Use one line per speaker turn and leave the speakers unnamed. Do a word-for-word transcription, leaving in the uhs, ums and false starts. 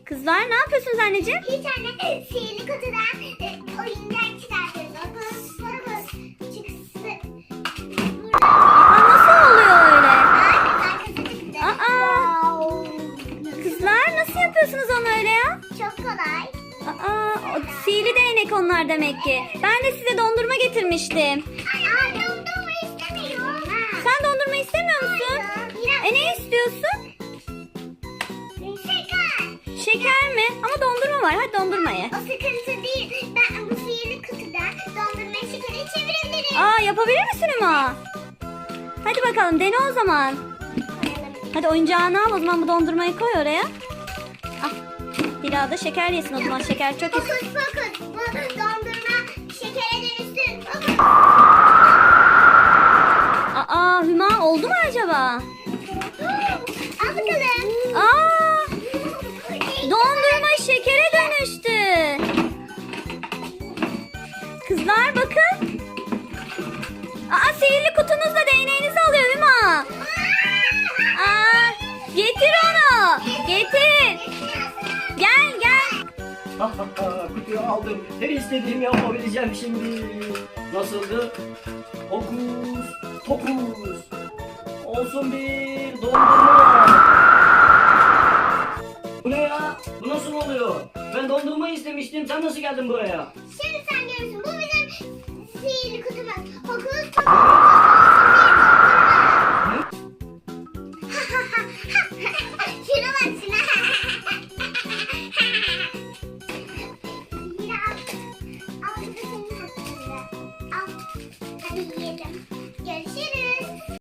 Kızlar ne yapıyorsunuz anneciğim?
Hiç anne, sihirli kutudan e, oyuncak çıkartıyoruz. Okulumuz sorumuz çıksın.
Aa, nasıl oluyor öyle?
Arkası çıktı.
Aa.
Wow.
Kızlar nasıl yapıyorsunuz onu öyle ya?
Çok kolay.
Aa, o sihirli değnek onlar demek ki. Ben de size dondurma getirmiştim.
Ay, ay dondurma istemiyorum.
Sen dondurma istemiyor musun? E ne istiyorsun?
Şeker.
Şeker mi? Ama dondurma var. Hadi dondurma ye.
O sıkıntı değil. Ben bu sihirli kutudan dondurmayı şekere çevirebilirim.
Aa, yapabilir misin Hüma? Hadi bakalım dene o zaman. Hadi oyuncağını al o zaman, bu dondurmayı koy oraya. Al. Dila da şeker yesin o zaman, şeker çok
Fokus
yesin.
fokus. Bu dondurma şekere dönüşsün. Fokus.
Aa, Hüma oldu mu acaba?
Al bakalım.
Aa, dondurma şekere dönüştü. Kızlar bakın. Aa, sihirli kutunuzla değneğinizi alıyor Hüma. Aa, getir onu. Getir. Gel gel.
Kutuyu aldım. Her istediğimi yapabileceğim şimdi. Nasıldı? Hokus pokus. Olsun bir dondurma. Bu ne ya? Bu nasıl oluyor? Ben dondurma istemiştim. Sen nasıl geldin buraya?
Şimdi sen görürsün. Bu bizim sihirli kutumuz. Fokus fokus.